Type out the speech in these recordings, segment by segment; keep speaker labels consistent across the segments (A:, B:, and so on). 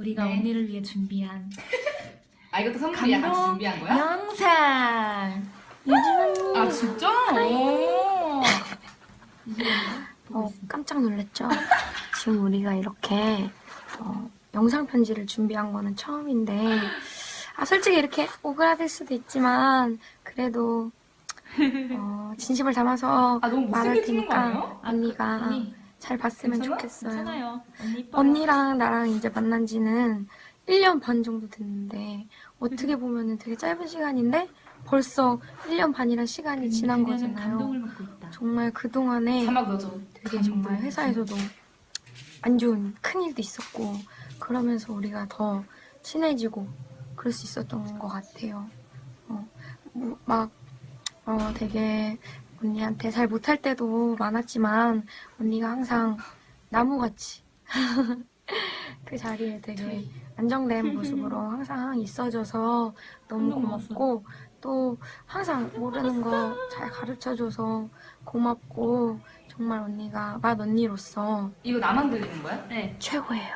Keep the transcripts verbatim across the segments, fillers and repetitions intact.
A: 우리가
B: 네.
A: 언니를 위해 준비한
B: 아 이것도 선물이야? 같이 준비한 거야?
A: 영상. 유진 언니.
B: 아 진짜? 오.
C: 어, 깜짝 놀랐죠? 지금 우리가 이렇게 어, 영상 편지를 준비한 거는 처음인데 아 솔직히 이렇게 오그라들 수도 있지만 그래도 어, 진심을 담아서
B: 아 너무
C: 말할
B: 못생겨 찍는 거
C: 테니까
B: 아니에요?
C: 언니가
A: 언니
C: 잘 봤으면
B: 괜찮아?
C: 좋겠어요.
A: 괜찮아요. 언니 이뻐요.
C: 언니랑 나랑 이제 만난 지는 일 년 반 정도 됐는데 어떻게 보면은 되게 짧은 시간인데 벌써 일 년 반이란 시간이 지난
A: 그녀는
C: 거잖아요.
A: 감동을 먹고 있다.
C: 정말 그동안에
B: 자막 넣어줘.
C: 되게 정말 회사에서도 안 좋은 큰일도 있었고 그러면서 우리가 더 친해지고 그럴 수 있었던 것 같아요. 어, 뭐, 막 어, 되게 언니한테 잘 못할 때도 많았지만 언니가 항상 나무같이 그 자리에 되게 안정된 모습으로 항상 있어줘서 너무 고맙고 또 항상 모르는 거 잘 가르쳐줘서 고맙고 정말 언니가 맏 언니로서
B: 이거 나만 들리는 거야?
A: 네.
C: 최고예요.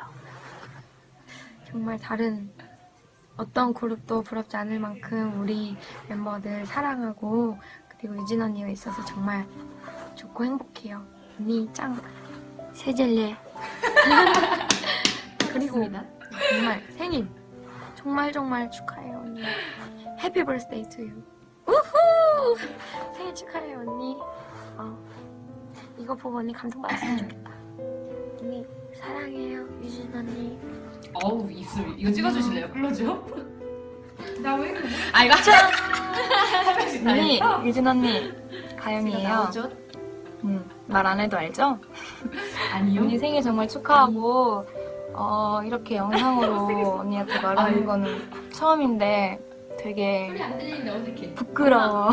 C: 정말 다른 어떤 그룹도 부럽지 않을 만큼 우리 멤버들 사랑하고 그리고 유진 언니가 있어서 정말 좋고 행복해요. 언니 짱 세젤리에 그리고
A: 맞습니다.
C: 정말 생일 정말 정말 축하해요 언니. 해피 버스데이 투 유. 우후! 생일 축하해요 언니. 어, 이거 보고 언니 감동받았으면 좋겠다. 언니 사랑해요 유진 언니.
B: 어우 입술 이거 찍어주실래요? 클로즈업? 나 왜 이렇게
D: 아 이거
B: 한 명씩 다
D: 언니
B: 했어?
D: 유진 언니
A: 제가
D: 가영이에요.
A: 나오죠?
D: 음, 말 안 해도 알죠?
B: 아니요.
D: 언니 생일 정말 축하하고 어, 이렇게 영상으로 언니한테 말하는
B: 아유.
D: 거는 처음인데 되게
B: 소리 안 들리는데 어색해.
D: 부끄러워.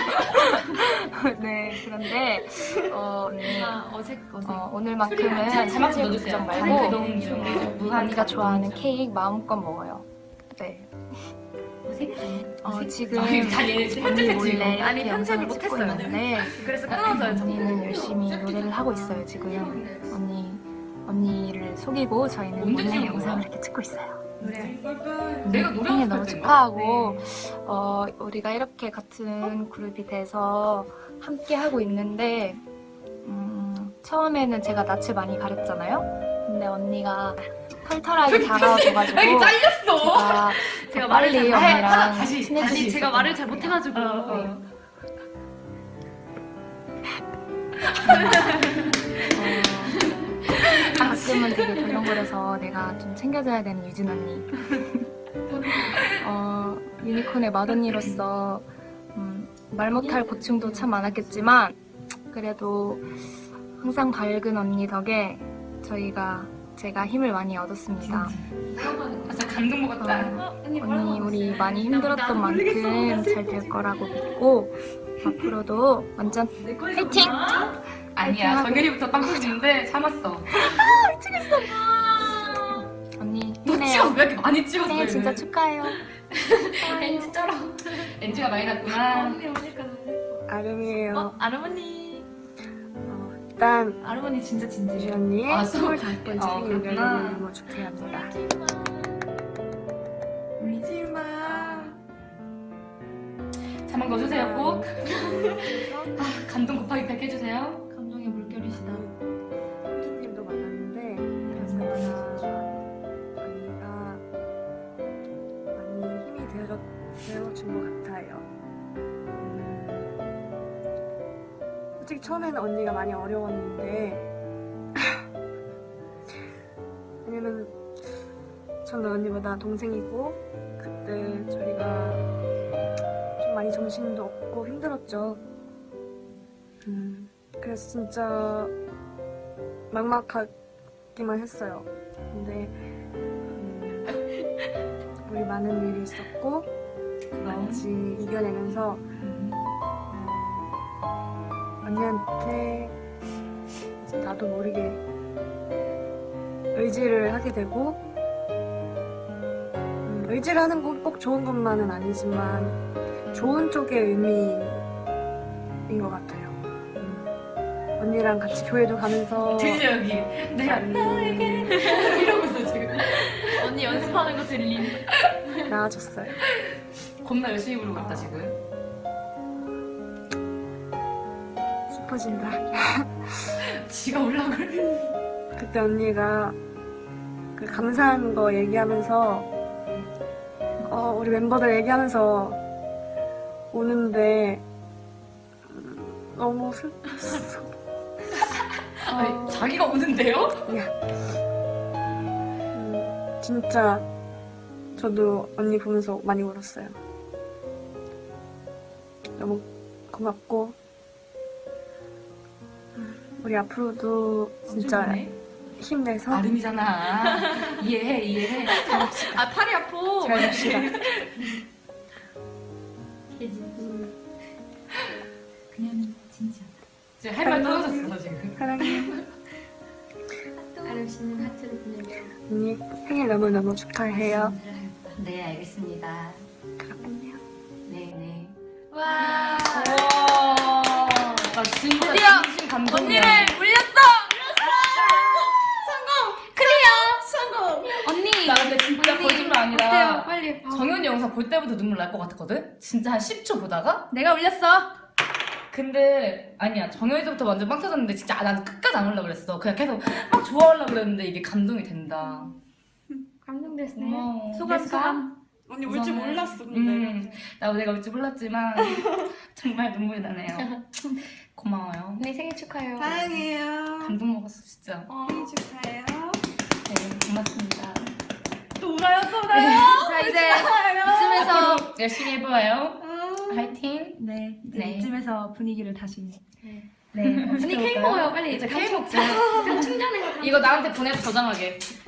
D: 네 그런데 어, 언니
A: 아, 어색 어색.
D: 어, 오늘만큼은
B: 자, 자막 좀
D: 생일
B: 넣어주세요.
D: 걱정
B: 그
D: 말고
B: 너무 이런 무한
D: 언니가 좋아하는 케이크 마음껏 먹어요. 네.
A: 어색해.
D: 어, 지금
B: 아, 이거 다 얘네
D: 언니
B: 편집했지
D: 몰래
B: 이거.
D: 이렇게
A: 아니, 편집을
D: 영상을 찍고
A: 못했어요.
D: 있는데
B: 그래서 끊어져요.
D: 언니는 열심히 노래를 하고 있어요 지금. 언니 언니를 속이고 저희는
B: 언제
D: 몰래
B: 찍은
D: 영상을
B: 거야?
D: 이렇게 찍고 있어요.
B: 내가
D: 음,
B: 노래
D: 생일 너무
B: 연습할 때인가?
D: 축하하고 어, 우리가 이렇게 같은 그룹이 돼서 함께 하고 있는데 음, 처음에는 제가 낯을 많이 가렸잖아요. 근데 언니가 털털하게 다가와줘가지고
B: 아, 이게 잘렸어.
D: 제가
A: 제가
D: 더
A: 말을
D: 빨리
A: 잘-
D: 언니랑
B: 아, 다시,
D: 친해질
A: 아니
D: 수
A: 제가
D: 있었던
A: 말을
D: 것
A: 잘
D: 같아요.
A: 못해가지고.
B: 어, 어.
A: 네.
D: 어, 가끔은 되게 덜렁거려서 내가 좀 챙겨줘야 되는 유진 언니. 어, 유니콘의 맏언니로서 음, 말 못할 고충도 참 많았겠지만 그래도 항상 밝은 언니 덕에 저희가 제가 힘을 많이 얻었습니다.
B: 아, 진짜 감동 먹었다.
D: 어, 언니 우리 많이 힘들었던 만큼 잘 될 거라고 믿고 앞으로도 완전 파이팅!
B: 아니야.
D: 하고.
B: 정현이부터 빵 터지는데 참았어.
D: 언니
B: 너 찍어
D: 힘내요.
B: 왜 이렇게 많이 찍었어?
D: 생일 진짜
B: 얘는?
D: 축하해요.
B: 엔지처럼. 엔지가 많이 났구나.
A: 언니 오니까 너무 예뻐.
E: 아름이에요.
A: 어, 아르머니.
E: 어, 일단
A: 아르머니 진짜
E: 유지
A: 진지해.
E: 언니의
B: 아, 또?
E: 스물다섯 번째
B: 어,
E: 생일을
B: 그렇구나.
E: 너무 축하합니다.
B: 울지마. 자막 넣어주세요 꼭. 아, 감동 곱하기 백 해주세요.
A: 감정의 물결이시다.
E: 콘서트님도 만났는데 그래서 언니가 많이 힘이 되어줘, 되어준 것 같아요. 음, 솔직히 처음에는 언니가 많이 어려웠는데 왜냐면 저는 언니보다 동생이고 그때 저희가 좀 많이 정신도 없고 힘들었죠. 음, 그래서 진짜 막막하기만 했어요. 근데 음, 우리 많은 일이 있었고 같이 이겨내면서 음, 언니한테 이제 나도 모르게 의지를 하게 되고 음, 의지를 하는 건 꼭 좋은 것만은 아니지만 좋은 쪽의 의미인 것 같아요. 음, 언니랑 같이 교회도 가면서
B: 들려 여기. 내가
E: 음,
B: 너에게 이러고 있어 지금.
A: 언니
B: 들림.
E: 나아졌어요.
B: 겁나 열심히 부르고 있다 지금.
E: 슬퍼진다.
B: 지가 올라 그래.
E: 그때 언니가 그 감사한 거 얘기하면서 어, 우리 멤버들 얘기하면서 오는데 음, 너무 슬펐어.
B: 아니, 자기가 오는데요?
E: 음, 진짜 저도 언니 보면서 많이 울었어요. 너무 고맙고 음, 우리 앞으로도 진짜
B: 좋네.
E: 힘내서
B: 아름이잖아. 이해해 이해해. 아 팔이 아파.
E: 잘 봅시다.
A: 음. 그녀는 진지하다.
B: 지금 할 말 떨어졌어 지금.
E: 사랑해.
A: 아름 씨는 하트를 보내줘.
E: 언니 생일 너무너무 축하해요.
B: 네 알겠습니다.
E: 그렇군요.
B: 네네.
A: 와.
B: 우와. 나 진짜
A: 드디어
B: 진심 감동이야.
A: 언니를 물렸어. 언니.
B: 나 근데 진짜 거짓말 아니라
A: 어때요? 빨리. 봐.
B: 정현이 영상 볼 때부터 눈물 날 것 같았거든? 진짜 한 십 초 보다가?
A: 내가 울렸어.
B: 근데 아니야 정현이 때부터 완전 빵 터졌는데 진짜 아, 난 끝까지 안 올라 그랬어. 그냥 계속 막 좋아하려고 그랬는데 이게 감동이 된다.
A: 감동됐네.
B: 고마워.
A: 소감
B: 됐어?
A: 소감.
E: 언니
B: 울줄 몰랐어, 음, 나 내가 울 줄 몰랐지만 정말 눈물이 나네요. 고마워요.
A: 언니 생일 축하해요.
E: 사랑해요.
B: 감동 먹었어 진짜.
E: 생일 축하해요.
B: 네 고맙습니다.
E: 또 울어요 또 울어요.
A: 자 이제 이쯤에서
B: 앞으로 열심히 해봐요. 화이팅.
A: 네 이제
B: 네.
A: 이쯤에서 분위기를 다시.
B: 네.
A: 언니 케이크 먹어요 빨리.
B: 이제
A: 같이
B: 케이크
A: 먹자. 약간 충전해.
B: 이거 나한테 보내서 저장하게.